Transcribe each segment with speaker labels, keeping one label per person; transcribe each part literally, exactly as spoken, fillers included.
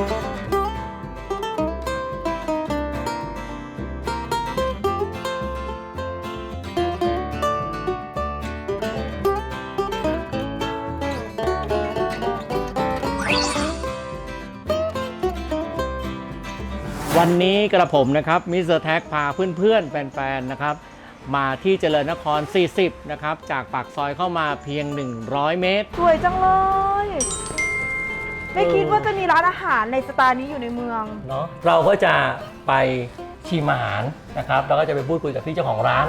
Speaker 1: วันนี้กระผมนะครับมิสเตอร์แท็กพาเพื่อนๆแฟนๆนะครับมาที่เจริญนครสี่สิบนะครับจากปากซอยเข้ามาเพียงหนึ่งร้อยเมตร
Speaker 2: สวยจังเลยไม่คิดว่าจะมีร้านอาหารในสไตล์นี้อยู่ในเมือง
Speaker 1: เนาะเราก็จะไปชิมอาหารนะครับแล้วก็จะไปพูดคุยกับพี่เจ้าของร้าน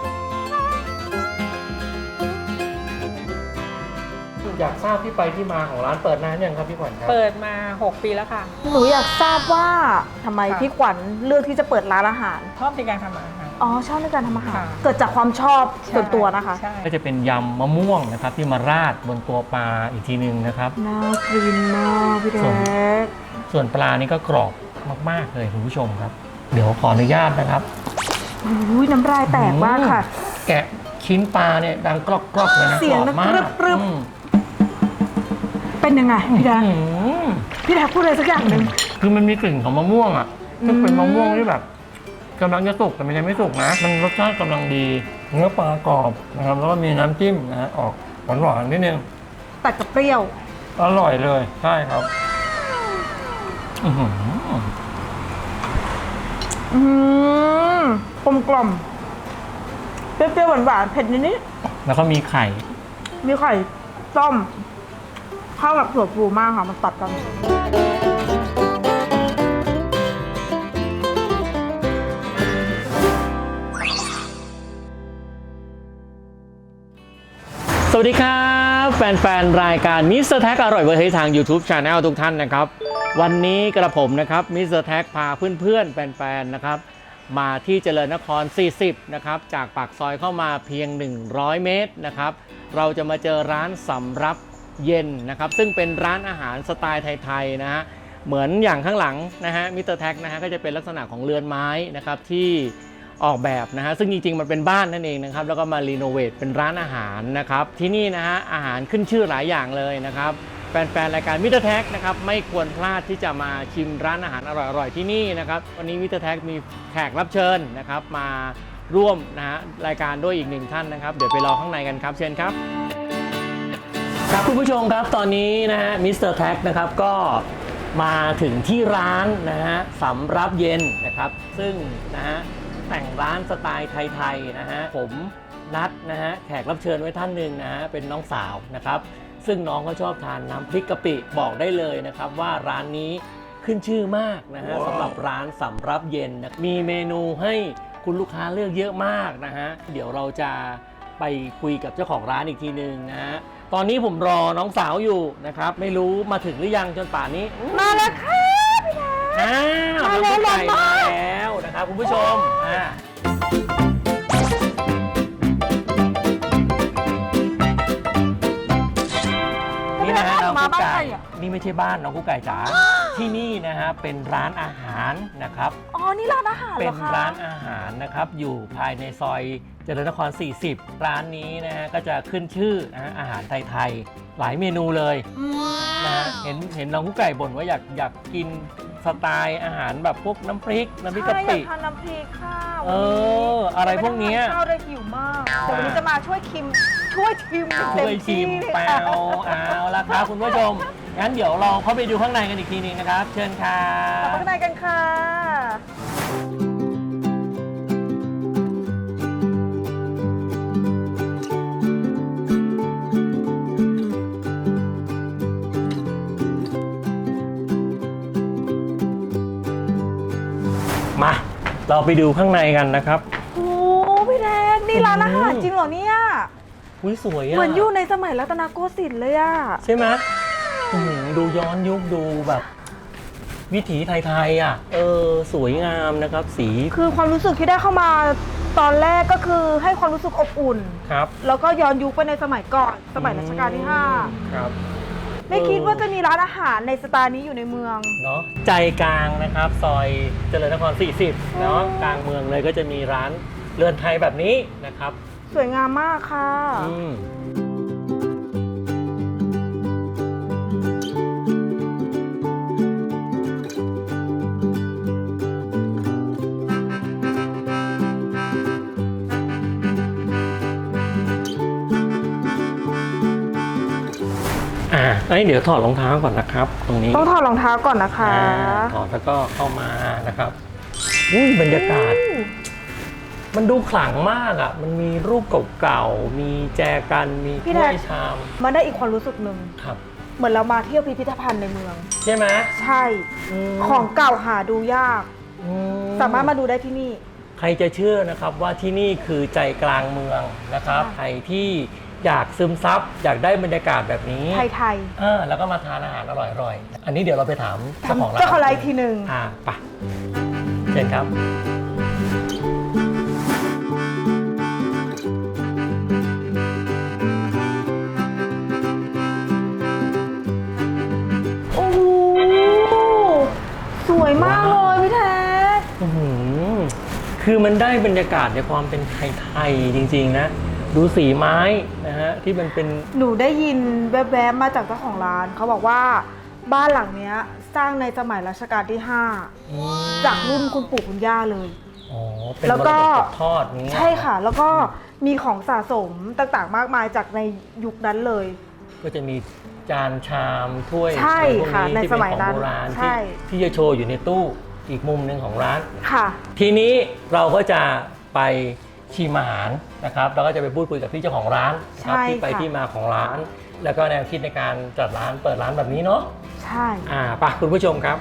Speaker 1: อยากทราบที่ไปที่มาของร้านเปิดนานยังครับพี่ขวัญครับ
Speaker 3: เปิดมาหกปีแล้วค่ะ
Speaker 2: หนูอยากทราบว่าทำไมพี่ขวัญเลือกที่จะเปิดร้านอาหาร
Speaker 3: ชอบในการทำอาหาร
Speaker 2: อ๋อชอบในการทำอาหารเกิดจากความชอบส่วนตัวนะคะ
Speaker 1: ก็จะเป็นยำมะม่วงนะครับที่มาราดบนตัวปลาอีกทีนึงนะครับ
Speaker 2: น่ากินมากพี่แดก
Speaker 1: ส่วนปลานี่ก็กรอบมากๆเลยคุณผู้ชมครับเดี๋ยวขออนุญาตนะครับ
Speaker 2: อุ้ยน้ำลายแตกมากค่ะ
Speaker 1: แกะชิ้นปลาเนี่ยดังกรอบๆเลยนะ
Speaker 2: เสียงมากเป็นยังไงพี่แดกพี่แดกพูดอะไรสักอย่างหนึ่ง
Speaker 1: คือมันมีกลิ่นของมะม่วงอ่ะก็เป็นมะม่วงที่แบบกำลังจะสุกแต่มันยังไม่สุกนะมันรสชาติกำลังดีเนื้อปลากรอบนะครับแล้วก็มีน้ำจิ้มนะฮะออกหวานๆนิดนึง
Speaker 2: แต่กับเปรี้ยว
Speaker 1: อร่อยเลยใช่ครับอือหือ
Speaker 2: อืมกลมกล่อมเปรี้ยวๆหวานๆเผ็ดนิด
Speaker 1: ๆแล้วก็มีไข่
Speaker 2: มีไข่ต้มเข้ากับถั่วพูมากค่ะมันตัดกัน
Speaker 1: สวัสดีครับแฟนๆรายการมิสเตอร์แท็กอร่อยเวอร์เฮ้ยทาง YouTube Channel ทุกท่านนะครับวันนี้กระผมนะครับมิสเตอร์แท็กพาเพื่อนๆแฟนๆนะครับมาที่เจริญนครสี่สิบนะครับจากปากซอยเข้ามาเพียงหนึ่งร้อยเมตรนะครับเราจะมาเจอร้านสำรับเย็นนะครับซึ่งเป็นร้านอาหารสไตล์ไทยๆนะฮะเหมือนอย่างข้างหลังนะฮะมิสเตอร์แท็กนะฮะก็จะเป็นลักษณะของเรือนไม้นะครับที่ออกแบบนะฮะซึ่งจริงๆมันเป็นบ้านนั่นเองนะครับแล้วก็มารีโนเวทเป็นร้านอาหารนะครับที่นี่นะฮะอาหารขึ้นชื่อหลายอย่างเลยนะครับแฟนๆรายการมิสเตอร์แท็กนะครับไม่ควรพลาดที่จะมาชิมร้านอาหารอร่อยๆที่นี่นะครับวันนี้มิสเตอร์แท็กมีแขกรับเชิญนะครับมาร่วมนะฮะรายการด้วยอีกหนึ่งท่านนะครับเดี๋ยวไปรอข้างในกันครับเชิญครับครับคุณผู้ชมครับตอนนี้นะฮะมิสเตอร์แท็กนะครับก็มาถึงที่ร้านนะฮะสำรับเย็นนะครับซึ่งนะฮะแต่งร้านสไตล์ไทยๆนะฮะผมนัดนะฮะแขกรับเชิญไว้ท่านหนึ่งนะฮะเป็นน้องสาวนะครับซึ่งน้องก็ชอบทานน้ำพริกกะปิบอกได้เลยนะครับว่าร้านนี้ขึ้นชื่อมากนะฮะ wow. สำหรับร้านสำรับเย็นนะมีเมนูให้คุณลูกค้าเลือกเยอะมากนะฮะเดี๋ยวเราจะไปคุยกับเจ้าของร้านอีกทีหนึ่งนะฮะตอนนี้ผมรอน้องสาวอยู่นะครับไม่รู้มาถึงหรือยังจนป่านนี้
Speaker 2: มาแล้วค่ะพี่แดง
Speaker 1: อ้าวน้องกุ๊กไก่มาแล้วนะครับคุณผู้ชมอ่านี่นะฮะน้องกุ๊กไก่นี่ไม่ใช่บ้านน้องกุ๊กไก่จ๋าที่นี่นะฮะเป็นร้านอาหารนะครับ
Speaker 2: อ๋อนี่ร้านอาหารเหรอคะ
Speaker 1: เป็นร้านอาหารนะครับอยู่ภายในซอยเจริญนครสี่สิบร้านนี้นะฮะก็จะขึ้นชื่อนะฮะอาหารไทยๆหลายเมนูเลยนะฮะเห็นเห็นน้องกุ๊กไก่บ่นว่าอยากอยากกินสไตล์อาหารแบบพวกน้ำพริกน้ำพริกกะปิ
Speaker 2: อยากทานน้ำพริกค่ะ
Speaker 1: เอออะไรพวกนี้
Speaker 2: ข้าวได้หิวมากเดี๋ยววันนี้จะมาช่วยชิมช่วยชิม
Speaker 1: ช่วยชิมเปล่าเอาละครับคุณผู้ชมงั้นเดี๋ยวลองเข้าไปดูข้างในกันอีกทีนึงนะครับเชิญค่ะ
Speaker 2: ข้างในกันค่ะ
Speaker 1: มาเราไปดูข้างในกันนะครับ
Speaker 2: โอ้พี่แดงนี่ร้านอาหารจริงเหรอเนี่ย
Speaker 1: อุ้ยสวยอะ
Speaker 2: เหมือนอยู่ในสมัยรัตนโกสินทร์เลยอะ
Speaker 1: ใช่ไหมดูย้อนยุคดูแบบวิถีไทยๆอ่ะเออสวยงามนะครับสี
Speaker 2: คือความรู้สึกที่ได้เข้ามาตอนแรกก็คือให้ความรู้สึกอบอุ่น
Speaker 1: ครับ
Speaker 2: แล้วก็ย้อนยุคไปในสมัยก่อนสมัยรัชกาลที่ห้า
Speaker 1: ครับ
Speaker 2: ไม่คิดว่าจะมีร้านอาหารในสไตล์นี้อยู่ในเมือง
Speaker 1: เนาะใจกลางนะครับซอยเจริญนครสี่สิบเนาะกลางเมืองเลยก็จะมีร้านเรือนไทยแบบนี้นะครับ
Speaker 2: สวยงามมากค่ะ
Speaker 1: เอ้ยเดี๋ยวถอดรองเท้าก่อนนะครับ ตรงนี้
Speaker 2: ต้องถอดรองเท้าก่อนนะคะ
Speaker 1: อ่าถอดแล้วก็เข้ามานะครับอุ้ยบรรยากาศ มันดูขลังมากอ่ะ มันมีรูปเก่าๆ มีแจกันมี
Speaker 2: พี่
Speaker 1: ถ้
Speaker 2: แท็
Speaker 1: ว
Speaker 2: ก
Speaker 1: ยชาม
Speaker 2: มันได้อีกความรู้สึกหนึ่ง
Speaker 1: ครับ
Speaker 2: เหมือนเรามาเที่ยวพิพิธภัณฑ์ในเมือง
Speaker 1: ใช่ไหม
Speaker 2: ใช่
Speaker 1: ม
Speaker 2: ของเก่าหาดูยาก
Speaker 1: อื
Speaker 2: สามารถมาดูได้ที่นี่
Speaker 1: ใครจะเชื่อนะครับว่าที่นี่คือใจกลางเมืองนะครับ
Speaker 2: ค่ะ
Speaker 1: ใครที่อยากซึมซับอยากได้บรรยากาศแบบนี้
Speaker 2: ไทย
Speaker 1: อ่าแล้วก็มาทานอาหารอร่อยๆ อันนี้เดี๋ยวเราไปถาม
Speaker 2: ๆ
Speaker 1: เจ้าของร้าน
Speaker 2: เจ้าของร้านอีกทีหนึ่ง
Speaker 1: อ่าไปเชิญครับ
Speaker 2: โอ้โหสวยมากเลยพี่แท็ก
Speaker 1: อื้อหือคือมันได้บรรยากาศในความเป็นไทยๆจริงๆนะ ดูสีไม้นะฮะที่มันเป็น
Speaker 2: หนูได้ยินแวบๆมาจากเจ้าของร้าน เขาบอกว่าบ้านหลังเนี้ยสร้างในสมัยรัชกาลที่ห้า
Speaker 1: อืม
Speaker 2: จากรุ่นคุณปู่คุณย่าเลย
Speaker 1: อ๋อเป็น
Speaker 2: แล้ว
Speaker 1: มร
Speaker 2: ก็
Speaker 1: ดกตกทอดนี้
Speaker 2: ใช่ค่ะ แล้วก็มีของสะสมต่างๆ มากมายจากในยุคนั้นเลย
Speaker 1: ก็จะมีจานชามถ้วย
Speaker 2: ใช่
Speaker 1: อะไรพวก
Speaker 2: ค่ะ
Speaker 1: นี้
Speaker 2: ใน
Speaker 1: ที่
Speaker 2: ส
Speaker 1: เป็น
Speaker 2: มัย
Speaker 1: ของ
Speaker 2: นั้น
Speaker 1: โบราณ
Speaker 2: ใช่
Speaker 1: ที่ที่จะโชว์อยู่ในตู้อีกมุมหนึ่งของร้าน
Speaker 2: ค่ะ
Speaker 1: ทีนี้เราก็จะไปชิมอาหารนะครับแล้วก็จะไปพูดคุยกับพี่เจ้าของร้านนะครับ
Speaker 2: ใช่
Speaker 1: ที่ไป
Speaker 2: ค่ะ
Speaker 1: ที่มาของร้าน แล้วก็แนวคิดในการจัดร้านเปิดร้านแบบนี้เนาะ
Speaker 2: ใช่
Speaker 1: อ่าไปคุณผู้ชมครับ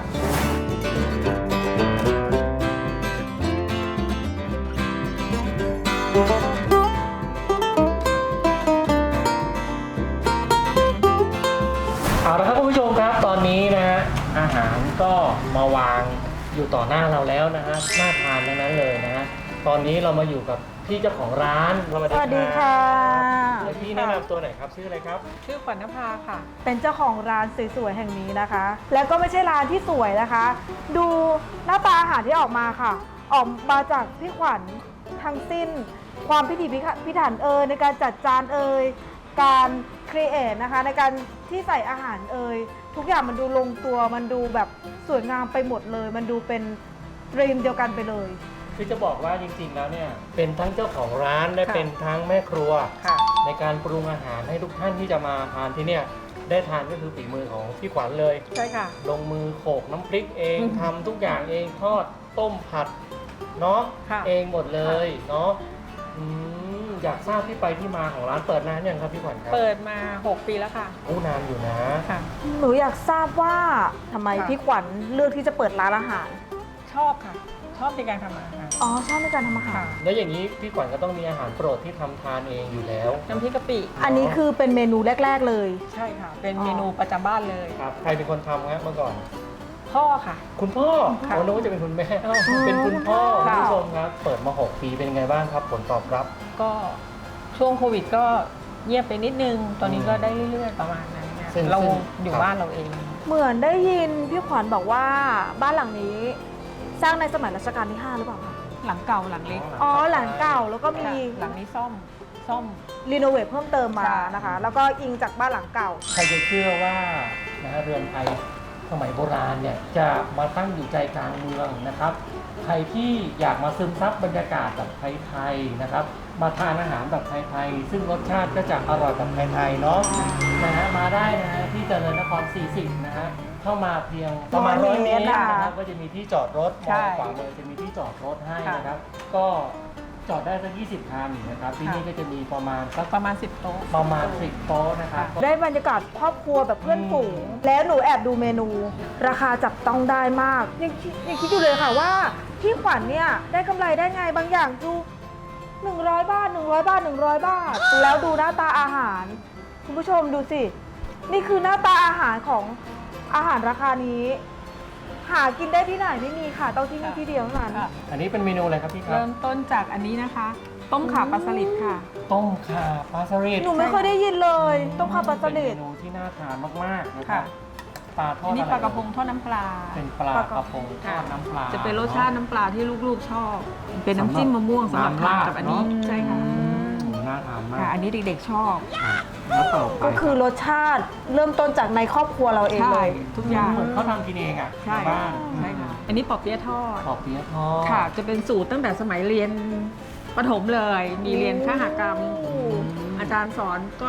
Speaker 1: เอาละครับคุณผู้ชมครับตอนนี้นะฮะอาหารก็มาวางอยู่ต่อหน้าเราแล้วนะฮะน่าทานทั้งนั้นเลยนะฮะตอนนี้เรามาอยู่กับพี่เจ้าของร้าน
Speaker 2: สวัสดีค่ะ
Speaker 1: เดี๋ยวพี่แนะนำตัวหน่อยครับชื่ออะไรครับ
Speaker 3: ชื่อขวัญนภาค่ะ
Speaker 2: เป็นเจ้าของร้านสวยๆแห่งนี้นะคะ แล้วก็ไม่ใช่ร้านที่สวยนะคะ ดูหน้าตาอาหารที่ออกมาค่ะ ออกมาจากพี่ขวัญทั้งสิ้น ความพิถีพิถันเอ่ยในการจัดจานเอ่ยการครีเอทนะคะในการที่ใส่อาหารเอ่ยทุกอย่างมันดูลงตัวมันดูแบบสวยงามไปหมดเลย มันดูเป็นดรีมเดียวกันไปเลย
Speaker 1: คือจะบอกว่าจริงๆแล้วเนี่ยเป็นทั้งเจ้าของร้านและ
Speaker 3: ค่ะ
Speaker 1: เป็นทั้งแม่ครัว
Speaker 3: ค่ะ
Speaker 1: ในการปรุงอาหารให้ทุกท่านที่จะมาทานที่เนี่ยได้ทานก็คือฝีมือของพี่ขวัญเลย
Speaker 3: ใช่ค่ะ
Speaker 1: ลงมือโขลกน้ำพริกเอง
Speaker 3: อืม
Speaker 1: ทำทุกอย่างเองทอดต้มผัดเนาะ
Speaker 3: ค่ะ
Speaker 1: เองหมดเลยเนาะอืมอยากทราบที่ไปที่มาของร้านเปิดนานยังครับพี่ขวัญครับ
Speaker 3: เปิดมา หก ปีแล้วค่ะ
Speaker 1: โอ้นานอยู่นะ
Speaker 3: ค่ะ
Speaker 2: หนูอยากทราบว่าทำไม
Speaker 3: ค่ะ
Speaker 2: พี่ขวัญเลือกที่จะเปิดร้านอาหาร
Speaker 3: ชอบค่ะ ชอบในการทำอาหาร
Speaker 2: อ๋อชอบในการทำอาหาร
Speaker 3: ค่ะ
Speaker 1: แล้วอย่างนี้พี่ขวัญก็ต้องมีอาหารโปรดที่ทำทานเองอยู่แล้ว
Speaker 3: น้ำพริกกะปิ
Speaker 2: อันนี้คือเป็นเมนูแรก ๆ เลย
Speaker 3: ใช่ค่ะ เป็น
Speaker 2: อ๋อ
Speaker 3: เมนูประจำบ้านเลย
Speaker 1: ครับใครเป็นคนทำครับเมื่อก่อน
Speaker 3: พ่อค่ะ
Speaker 1: คุณพ่อ
Speaker 3: ค่ะ
Speaker 1: ผมนึกว่าจะเป็นคุณแม่
Speaker 2: อ๋อ
Speaker 1: เป็นคุณพ่อ
Speaker 3: ค่ะ
Speaker 1: คุณผู้ชมครับ เปิดมา หก ปีเป็นไงบ้างครับ ผลตอบรับ
Speaker 3: ก็ช่วงโควิดก็เงียบไปนิดนึง ตอนนี้ก็ได้เรื่อยๆประมาณนั้นเนี่ย
Speaker 1: ซึ่ง
Speaker 3: เรา
Speaker 1: ซึ่ง
Speaker 3: อยู่
Speaker 1: ครับ
Speaker 3: บ้านเราเอง
Speaker 2: เหมือนได้ยินพี่ขวัญบอกว่าบ้านหลังนี้ สร้างในสมัยรัชกาลที่ห้าหรือเปล่าคะ
Speaker 3: หลังเก่าหลังเล็ก
Speaker 2: อ๋อหลังเก่าแล้วก็มี
Speaker 3: ค่ะหลังนี้ซ่อม ซ่อม
Speaker 2: รีโนเวทเพิ่มเติมมา
Speaker 3: ใช่
Speaker 2: นะคะ แล้วก็อิงจากบ้านหลังเก่า
Speaker 1: ใครจะเชื่อว่านะฮะเรือนไทยสมัยโบราณเนี่ยจะมาตั้งอยู่ใจกลางเมืองนะครับ ใครที่อยากมาซึมซับบรรยากาศแบบไทยๆนะครับ มาทานอาหารแบบไทยๆซึ่งรสชาติก็จะอร่อยแบบไทยๆเนาะนะฮะมาได้นะฮะที่เจริญนครสี่สิบนะฮะเข้ามาเพียงประมาณร้อยเมตรนะครับก็จะมีที่จอดรถม
Speaker 3: ใช่
Speaker 1: องขวามือจะมีที่จอดรถให้
Speaker 3: ค่ะ
Speaker 1: นะครับ ก็จอดได้สักยี่สิบคันนะครับที่นี่ก็จะมีประมาณสัก
Speaker 3: ประมาณสิบโต๊ะ
Speaker 1: ประมาณสิบโต๊ะนะครับ
Speaker 2: ได้บรรยากาศครอบครัวแบบเพื่อนฝูง
Speaker 1: อืม
Speaker 2: แล้วหนูแอบดูเมนู ราคาจับต้องได้มาก ยังคิดยังคิดอยู่เลยค่ะว่าพี่ขวัญเนี่ยได้กำไรได้ไงบางอย่างดูหนึ่งร้อยบาทหนึ่งร้อยบาทหนึ่งร้อยบาท แล้วดูหน้าตาอาหาร คุณผู้ชมดูสิ นี่คือหน้าตาอาหารของอาหารราคานี้ หากินได้ที่ไหนไม่มีค่ะต้องที่นี่ที่เดียวเท่านั้น
Speaker 3: ค่ะ
Speaker 1: อันนี้เป็นเมนูอะไรครับพี่ครับ
Speaker 3: เริ่มต้นจากอันนี้นะคะ ต้มข่าปลาสลิดค่ะ
Speaker 1: ต้มข่าปลาสลิด
Speaker 2: หนูไม่เคยได้ยินเลยต้องพาปลาสลิด
Speaker 1: เป็นเมนูที่น่าทานมากๆนะครั
Speaker 3: ค่ะ
Speaker 1: บปลาทอ
Speaker 3: อั
Speaker 1: ด
Speaker 3: นนี้
Speaker 1: อไ
Speaker 3: ปลากระพงทอดน้ำปลา
Speaker 1: เป็นปลากระพงทอดน้ำปลา
Speaker 3: จะเป็นรสชาติน้ำปลาที่ลูกๆชอบ เป็นน้ำจิ้มมะม่วงสำหรับทานกับอันนี้
Speaker 1: ำราดเะ
Speaker 3: ใช่ค่ะ
Speaker 1: อืมน่าทานมา
Speaker 3: ค่ะ
Speaker 1: ก
Speaker 3: อันนี้เด็กๆชอบ
Speaker 1: แล้วต่อไป
Speaker 2: ก็คือรสชาติเริ่มต้นจากในครอบครัวเราเอง
Speaker 3: ใช่
Speaker 2: เลย
Speaker 3: ทุกอย่าง
Speaker 1: เหมือนเขาทำกินเองอ่ะ
Speaker 3: ใช่
Speaker 1: ในบ้าน
Speaker 3: ใช่ค่ะ อันนี้ปอเปี๊ยะทอด
Speaker 1: ปอกเปี๊ยะทอด
Speaker 3: ค่ะ จะเป็นสูตรตั้งแต่สมัยเรียนประถมเลย มีเรียนคหกรรม อาจารย์สอนก็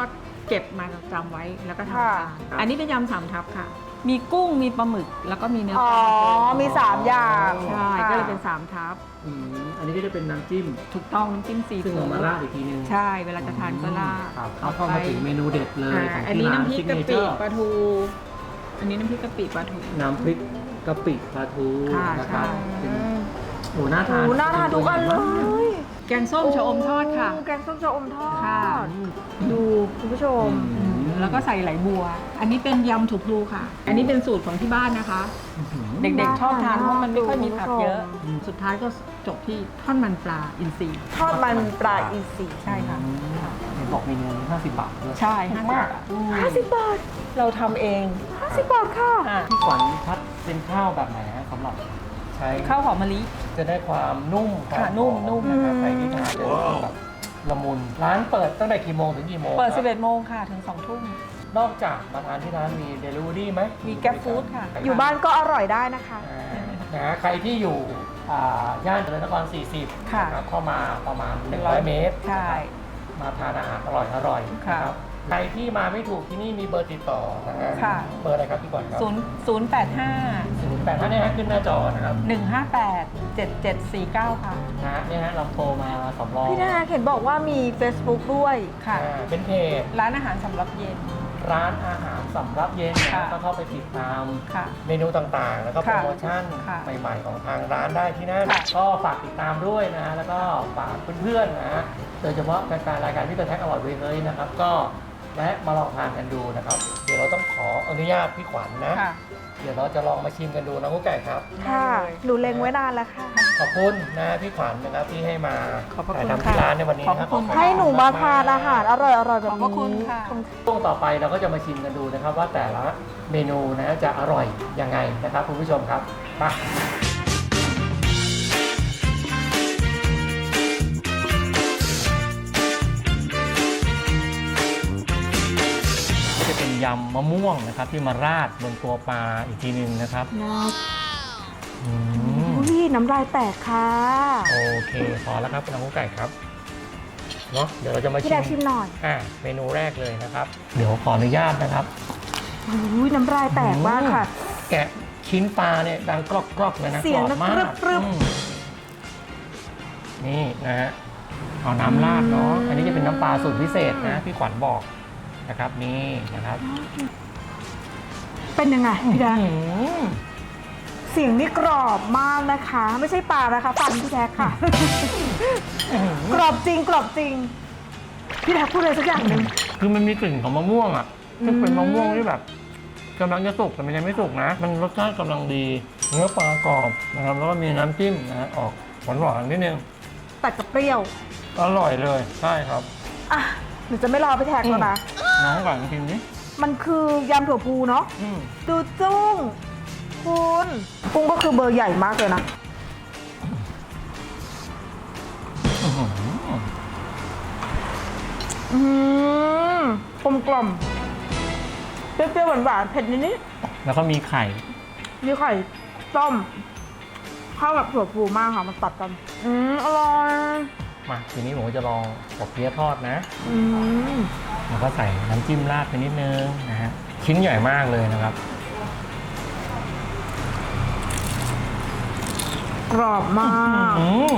Speaker 3: เก็บมาจำไว้แล้วก็ทำ
Speaker 2: ค่ะ
Speaker 3: ทานอันนี้เป็นยำสามทับค่ะ มีกุ้งมีปลาหมึกแล้วก็มีเนื้อ
Speaker 2: อ๋อ
Speaker 3: ปลา
Speaker 2: มีสามอย่าง
Speaker 3: ใช่ก็เลยเป็นสามทับ
Speaker 1: อืมอันนี้ก็จะเป็นน้ำจิ้ม
Speaker 3: ถูกต้องน้ำจิ้มซี
Speaker 1: ซึ่ง
Speaker 3: ฟู้
Speaker 1: เอา
Speaker 3: ด
Speaker 1: มาราดอีกทีนึง
Speaker 3: ใช่เวลาจะทานก็ราด
Speaker 1: ครับเอาเข้ามาถึงเมนูเด็ดเลย
Speaker 3: อ่า
Speaker 1: ของ
Speaker 3: อัน
Speaker 1: ที่
Speaker 3: นี้
Speaker 1: ร้าน
Speaker 3: น้ำพริก
Speaker 1: ซิก
Speaker 3: กะ
Speaker 1: เนเจ
Speaker 3: ปิ
Speaker 1: อร์
Speaker 3: ปลาทู อันนี้น้ำพริกกะปิปลาทู
Speaker 1: น้ำพริกกะปิปลาทู
Speaker 3: ค่ะ
Speaker 1: นะครับ
Speaker 3: ใช่
Speaker 1: เป็นโอ้น่า
Speaker 2: โอ้
Speaker 1: ทาน
Speaker 2: โหน่าทานทุกอันเลย
Speaker 3: แกงส้มชะอมทอดค่ะ
Speaker 2: โแกงส้มชะอมทอ
Speaker 3: ค่ะ
Speaker 2: ด ดูคุณผู้ชม
Speaker 1: อืม
Speaker 3: แล้วก็ใส่ไหลบัว อันนี้เป็นยำถูกพลูค่ะ อันนี้เป็นสูตรของที่บ้านนะคะ เด็กๆชอบทานเพราะมันไม่ค่อยมีผักเยอะ
Speaker 1: อืม
Speaker 3: สุดท้ายก็จบที่ทอดมันปลาอินทรีย์
Speaker 2: ทอดมันปลาอินทรี
Speaker 3: ใช่ค่ะ
Speaker 1: เห็นบอกเมนูห้าสิบบาทด้วย
Speaker 3: ใช่ห้าสิบบาท
Speaker 2: ห้าสิบบาท
Speaker 3: เราทำเอง
Speaker 2: ห้าสิบบาทค่ะ
Speaker 3: อ่ะ
Speaker 1: พี่ขวัญพัดเป็นข้าวแบบไหนฮะสำหรับใช้
Speaker 3: ข้าวหอมมะลิ
Speaker 1: จะได้ความนุ่ม
Speaker 3: ค่ะ
Speaker 1: ความ
Speaker 3: นุ่ม
Speaker 1: หอ
Speaker 3: นุ่ม
Speaker 1: นะครับใครที่ทานจะรู้สึกแบบละมุนร้านเปิดตั้งแต่กี่โมงถึงกี่โมง
Speaker 3: เปิด
Speaker 1: ครับ
Speaker 3: สิบเอ็ดโมงค่ะ ถึงสองทุ่ม
Speaker 1: นอกจากมาทานที่ร้านมีเดลิเวอรี่ไหม
Speaker 3: มี Grab Food ค่ะ
Speaker 2: อยู่บ้านก็อร่อยได้นะคะ
Speaker 1: อ่านะฮะใครที่อยู่อ่าย่านเจริญนครสี่สิบ
Speaker 3: ค่ะ
Speaker 1: นะครับเข้ามาประมาณหนึ่งร้อยเมตร
Speaker 3: ใช่
Speaker 1: มาทานอาหารอร่อยอร่อยๆ
Speaker 3: ค่ะ
Speaker 1: นะครับใครที่มาไม่ถูกที่นี่มีเบอร์ติดต่อนะฮะ
Speaker 3: ค่ะ
Speaker 1: เบอร์อะไรครับพี่ขวัญครับ
Speaker 3: ศูนย์ศูนย์แปดห้า
Speaker 1: ศูนย์แปดห้าเนี่ยฮะขึ้นหน้าจอนะครับ
Speaker 3: หนึ่งห้าแปดเจ็ดเจ็ดสี่เก้าค่ะ
Speaker 1: นะฮะเนี่ยฮะลำโพงมาสำรอง
Speaker 2: พี่นาเห็นบอกว่ามี Facebook ด้วย
Speaker 3: ค่ะ
Speaker 1: อ่าเป็นเพจ
Speaker 3: ร้านอาหารสำหรับเย็น
Speaker 1: ร้านอาหารสำรับเย็นนะฮะ
Speaker 3: ค่ะ
Speaker 1: ก็เข้าไปติดตาม
Speaker 3: ค่ะ
Speaker 1: เมนูต่างๆ แล้วก็โปร
Speaker 3: ค่ะ
Speaker 1: โมชั่น
Speaker 3: ค่ะ
Speaker 1: ใหม่ๆ ของทางร้านได้ที่นั่น
Speaker 3: ค่ะ
Speaker 1: ก็ฝากติดตามด้วยนะฮะแล้วก็ฝากเพื่อนๆนะฮะโดยเฉพาะแฟนๆรายการพิเตอร์แท็กอร่อยเวยเลยนะครับก็แวะมาลองทานกันดูนะครับ เดี๋ยวเราต้องขออนุญาตพี่ขวัญนะ
Speaker 3: ค่ะ
Speaker 1: เดี๋ยวเราจะลองมาชิมกันดูนะกุ๊กไก่ครับ
Speaker 2: ค่ะ หนูเล็งไว้นานแล้วค่ะ
Speaker 1: ขอบคุณนะพี่ขวัญนะครับที่ให้มา
Speaker 3: ขอบพระคุณ
Speaker 1: ถ่ายทำที่
Speaker 3: ค่ะ
Speaker 1: ร้านในวันนี้นะครั
Speaker 3: ขอบพระคุณ
Speaker 2: ให้หนูมาทานอาหารอร่อยๆแบบ
Speaker 3: ขอบพระคุณ
Speaker 2: นี้
Speaker 3: ค่ะ
Speaker 1: ช่วงต่อไปเราก็จะมาชิมกันดูนะครับ ว่าแต่ละเมนูนะจะอร่อยยังไงนะครับคุณผู้ชมครับมาจะเป็นยำมะม่วงนะครับที่มาราดบนตัวปลาอีกทีหนึงนะครับ
Speaker 2: นะ
Speaker 1: อืม
Speaker 2: อุ้ยน้ำลายแตกค่ะ
Speaker 1: โอเคพอแล้วครับน้องกุ๊กไก่ครับเนาะเดี๋ยวเราจะมา
Speaker 2: พี่
Speaker 1: ชิ
Speaker 2: แด
Speaker 1: ม
Speaker 2: กชิมหน่อย
Speaker 1: อ่าเมนูแรกเลยนะครับ เดี๋ยวขออนุญาตนะครับ
Speaker 2: อุ้ยน้ำลายแตกมากค่ะ
Speaker 1: แกะชิ้นปลาเนี่ยดังกรอกกรอกๆเลยนะ
Speaker 2: เสียง
Speaker 1: กรอบมาก
Speaker 2: กรึบกรึบ
Speaker 1: อืมนี่นะฮะเอาน้ำราดเนาะอันนี้จะเป็นน้ำปลาสูตรพิเศษนะพี่ขวัญบอกนะครับนี่นะครับ
Speaker 2: เป็นยังไงพี่แดก
Speaker 1: อื้อหือ
Speaker 2: เสียงนี่กรอบมากนะคะ ไม่ใช่ปลานะคะฟันพี่แดกค่ะ กรอบจริงกรอบจริง พี่แดกพูดอะไรสักอย่างหนึ่ง
Speaker 1: คือมันมีกลิ่นของมะม่วงอ่ะซึ่งเป็น
Speaker 2: อืม
Speaker 1: มะม่วงที่แบบกำลังจะสุกแต่มันยังไม่สุกนะ มันรสชาติกำลังดีเนื้อปลากรอบนะครับแล้วก็มีน้ำจิ้มนะฮะออกหวานหวานๆนิดนึง
Speaker 2: แต่กับเปรี้ยว
Speaker 1: อร่อยเลยใช่ครับ
Speaker 2: อ่ะหนูจะไม่รอพี่แท็กแล้วนะ
Speaker 1: น้องก่อนกินนี้
Speaker 2: มันคือยำถั่วพูเนาะ ดูจุ้งคุณกุ้งก็คือเบอร์ใหญ่มากเลยนะ อืมกลมกล่อมเปรี้ยวๆหวานๆเผ็ดนิด
Speaker 1: แล้วก็มีไข่
Speaker 2: ๆมีไข่ต้มเข้ากับถั่วพูมากค่ะมันตัดกัน อืมอร่อย
Speaker 1: มาทีนี้ผมก็จะลองปอบเปี๊ยะทอดนะ
Speaker 2: อืม
Speaker 1: แล้วก็ใส่น้ำจิ้มราดไปนิดนึงนะฮะชิ้นใหญ่มากเลยนะครับ
Speaker 2: กรอบมาก
Speaker 1: อืม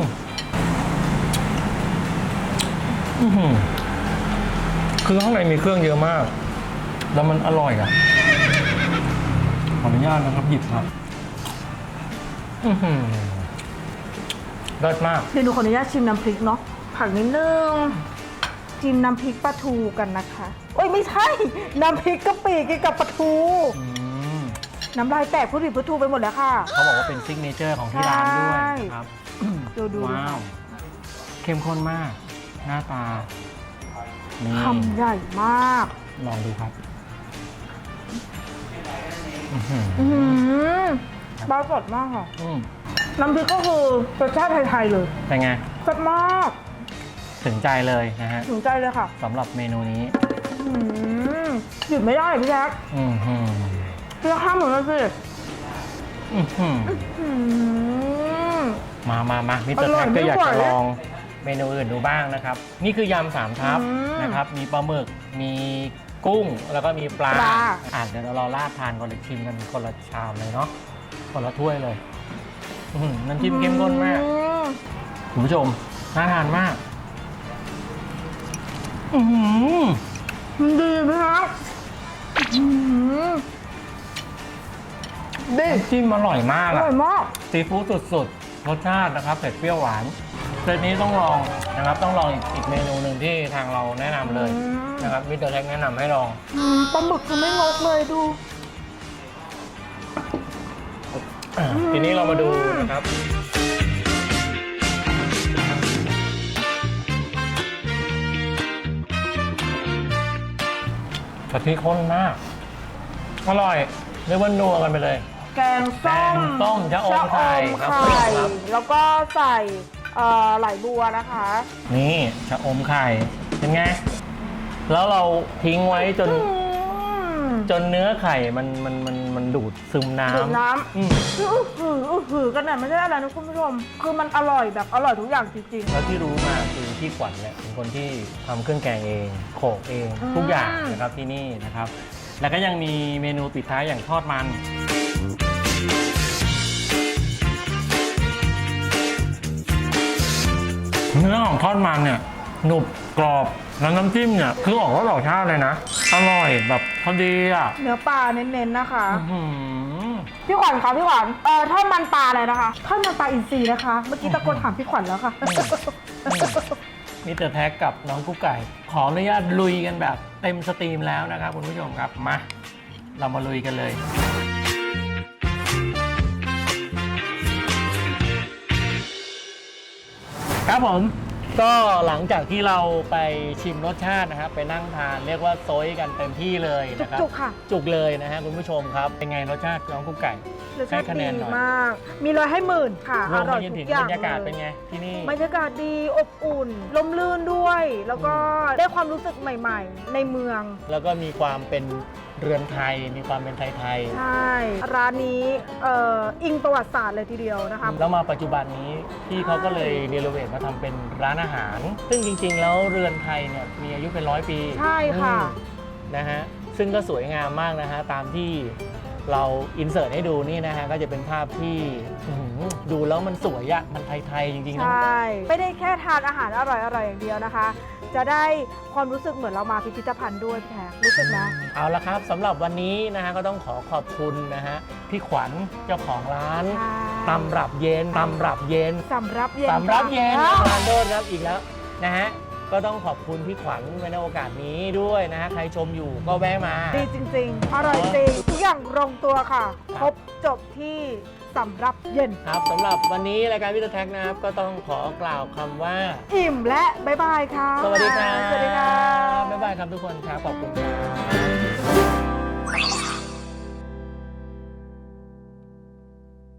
Speaker 1: อื้อหือคือข้างในมีเครื่องเยอะมาก แล้วมันอร่อยอ่ะขออนุญาตนะครับหยิบครับอือหือเลิศมาก
Speaker 2: เดี๋ยวหนูขออนุญาตชิมน้ำพริกเนาะผักนิดนึงชิมน้ำพริกปลาทูกันนะคะโอ้ยไม่ใช่ น้ำพริกกะปิกินกับปลาทู
Speaker 1: อืม
Speaker 2: น้ำลายแตกพูดผิดพูดถูกไปหมดแล้วค่ะ
Speaker 1: เขาบอกว่าเป็นซิกเนเจอร์ของที่ร้านด้วย
Speaker 2: ใช่
Speaker 1: นะครับ
Speaker 2: ดูดู
Speaker 1: ว้าว เข้มข้นมาก หน้าตา นี่
Speaker 2: คำใหญ่มาก
Speaker 1: ลองดูครับอื้อหือ
Speaker 2: อืมปลาสดมากค่ะ
Speaker 1: อืม
Speaker 2: น้ำพริกก็คือรสชาติไทยๆเลย
Speaker 1: เป็นไง
Speaker 2: แซ่บมาก
Speaker 1: ถึงใจเลยนะฮะ
Speaker 2: ถึงใจเลยค่ะ
Speaker 1: สำหรับเมนูนี้
Speaker 2: อืมหยุดไม่ได้พี่แจ๊ค
Speaker 1: อือหือ
Speaker 2: พี่แจ๊คห้ามหนูเลยสิ
Speaker 1: อื้อหือ
Speaker 2: อืม
Speaker 1: มามามามิสเตอร์
Speaker 2: อร่
Speaker 1: แท็
Speaker 2: อย
Speaker 1: กก็อยาก
Speaker 2: ไม่ไหว
Speaker 1: จะลองเมนูอื่นดูบ้างนะครับ นี่คือยำสามทับ
Speaker 2: อืม
Speaker 1: นะครับ มีปลาหมึก มีกุ้ง แล้วก็มีปลา
Speaker 2: ปลา
Speaker 1: อ่ะเดี๋ยวเรารอราดทานก่อนเลยชิมกันคนละชามเลยเนาะ คนละถ้วยเลยอื้อหือน้ำจิ้มเข้มข้นมาก
Speaker 2: อืม
Speaker 1: คุณผู้ชมน่าทานมาก อือหือ
Speaker 2: มันดีไหมครับอื้อหือดี
Speaker 1: น้ำจิ้มอร่อยมาก
Speaker 2: อ
Speaker 1: อะ
Speaker 2: ร่อยมาก
Speaker 1: ซีฟู้ดสุดๆ รสชาตินะครับเผ็ดเปรี้ยวหวานเซตนี้ต้องลองนะครับ ต้องลองอีกอีกเมนูหนึ่งที่ทางเราแนะนำเลย
Speaker 2: อืม
Speaker 1: นะครับมิสเตอร์แท็กแนะนำให้ลอง
Speaker 2: อืมปลาหมึกคือไม่งกเลยดู
Speaker 1: อ่ะทีนี้เรามาดูนะครับ กะทิข้นมาก อร่อยเรียกว่านัวกันไปเลย
Speaker 2: แกงส้ม
Speaker 1: แกงส้มชะอมไข่ครับ
Speaker 2: ชะอมไข่
Speaker 1: ครับ
Speaker 2: แล้วก็ใส่เอ่อไหลบัวนะคะ
Speaker 1: นี่ชะอมไข่ เป็นไง แล้วเราทิ้งไว้จน
Speaker 2: อืม
Speaker 1: จนเนื้อไข่มันมันมันมันดูดซึมน้ำ
Speaker 2: ดูดน้
Speaker 1: อืม
Speaker 2: ำคืออื้อหืออื้อหือกันน่ะไม่ใช่อะไรนะคุณผู้ชม คือมันอร่อยแบบอร่อยทุกอย่างจริง
Speaker 1: แล้วที่รู้มาคือพี่ขวัญเนี่ยเป็นคนที่ทำเครื่องแกงเองโขลกเอง
Speaker 2: อืม
Speaker 1: ทุกอย่างนะครับที่นี่นะครับ แล้วก็ยังมีเมนูปิดท้ายอย่างทอดมัน เนื้อของทอดมันเนี่ยหนุบกรอบแล้วน้ำจิ้มเนี่ยคือออกรสออกชาติเลยนะ อร่อยแบบพอดีอ่ะ
Speaker 2: ๆ เนื้อปลาเน้นๆนะคะ
Speaker 1: อื้อหือ
Speaker 2: พี่ขวัญคะพี่ขวัญเอ่อทอดมันปลาอะไรนะคะทอดมันปลาอินทรีนะคะ เมื่อกี้ตะโกนถามพี่ขวัญแล้วค่ะ
Speaker 1: มิสเตอร์แท็กกับน้องกุ๊กไก่ ขออนุญาตลุยกันแบบเต็มสตรีมแล้วนะครับคุณผู้ชมครับมาเรามาลุยกันเลย ครับผมก็หลังจากที่เราไปชิมรสชาตินะครับไปนั่งทานเรียกว่าโซยกันเต็มที่เลยนะครับ
Speaker 2: จุกๆค่ะ
Speaker 1: จุกเลยนะฮะคุณผู้ชมครับเป็นไงรสชาติน้องกุ๊กไก่
Speaker 2: รสชาติ
Speaker 1: ให้คะแน
Speaker 2: ดี
Speaker 1: นหน่อย
Speaker 2: มาก มีร้อยให้หมื่นค่ะ
Speaker 1: ร
Speaker 2: อ
Speaker 1: วม
Speaker 2: ร่
Speaker 1: ไป
Speaker 2: อย
Speaker 1: จน
Speaker 2: ทุ
Speaker 1: ถึง
Speaker 2: กอย่า
Speaker 1: บรง รยากาศ
Speaker 2: เล
Speaker 1: เป็น
Speaker 2: ย
Speaker 1: ไงที่นี่
Speaker 2: บรรยากาศดีอบอุ่น ลมลื่นด้วย แล้วก็ได้ความรู้สึกใหม่ๆ ในเมือง
Speaker 1: แล้วก็มีความเป็นเรือนไทย มีความเป็นไทย
Speaker 2: ใช่ ร้านนี้เอ่ออิงประวัติศาสตร์เลยทีเดียวนะคะ
Speaker 1: ๆแล้วมาปัจจุบันนี้พี่เขาก็เลยเนรเวทมาทำเป็นร้านอาหาร ซึ่งจริงๆ แล้วเรือนไทยเนี่ยมีอายุเป็นร้อยปี
Speaker 2: ใช่ค่ะ
Speaker 1: อืมนะฮะซึ่งก็สวยงามมากนะฮะตามที่เราอินเสิร์ตให้ดูนี่นะฮะก็จะเป็นภาพที่อื้อหือดูแล้วมันสวยอะมันไทยๆจริงๆ
Speaker 2: ใช
Speaker 1: นะ
Speaker 2: ่ ไม่ได้แค่ทานอาหารอร่อยๆอย่างเดียวนะคะ จะได้ความรู้สึกเหมือนเรามาพิพิธภัณฑ์ด้วยพี่แท็กรู้สึกนะ
Speaker 1: เอาละครับสำหรับวันนี้นะฮะก็ต้องขอขอบคุณนะฮะพี่ขวัญเจ้าของร้าน
Speaker 2: ใช่
Speaker 1: ตำรับเย็นตำรับเย็น
Speaker 2: สำรับเย็น
Speaker 1: สำรับเย็น
Speaker 2: ค่ะ
Speaker 1: ทานโดนครับอีกแล้วนะฮะก็ต้องขอบคุณพี่ขวัญในโอกาสนี้ด้วยนะฮะใครชมอยู่ก็แวะมา
Speaker 2: ดีจริงๆ อร่อยจริง ทุกอย่างลงตัวค่ะ
Speaker 1: ครับ
Speaker 2: ครบจบที่สำรับเย็น
Speaker 1: ครับสำหรับวันนี้รายการวิทยาแท็กนะครับก็ต้องขอกล่าวคำว่า
Speaker 2: อิ่มและบายบายค่ะ
Speaker 1: สวัสดีครับ
Speaker 2: สวัสดีค่ะ
Speaker 1: บ๊ายบายครับทุกคนครับขอบคุณครับ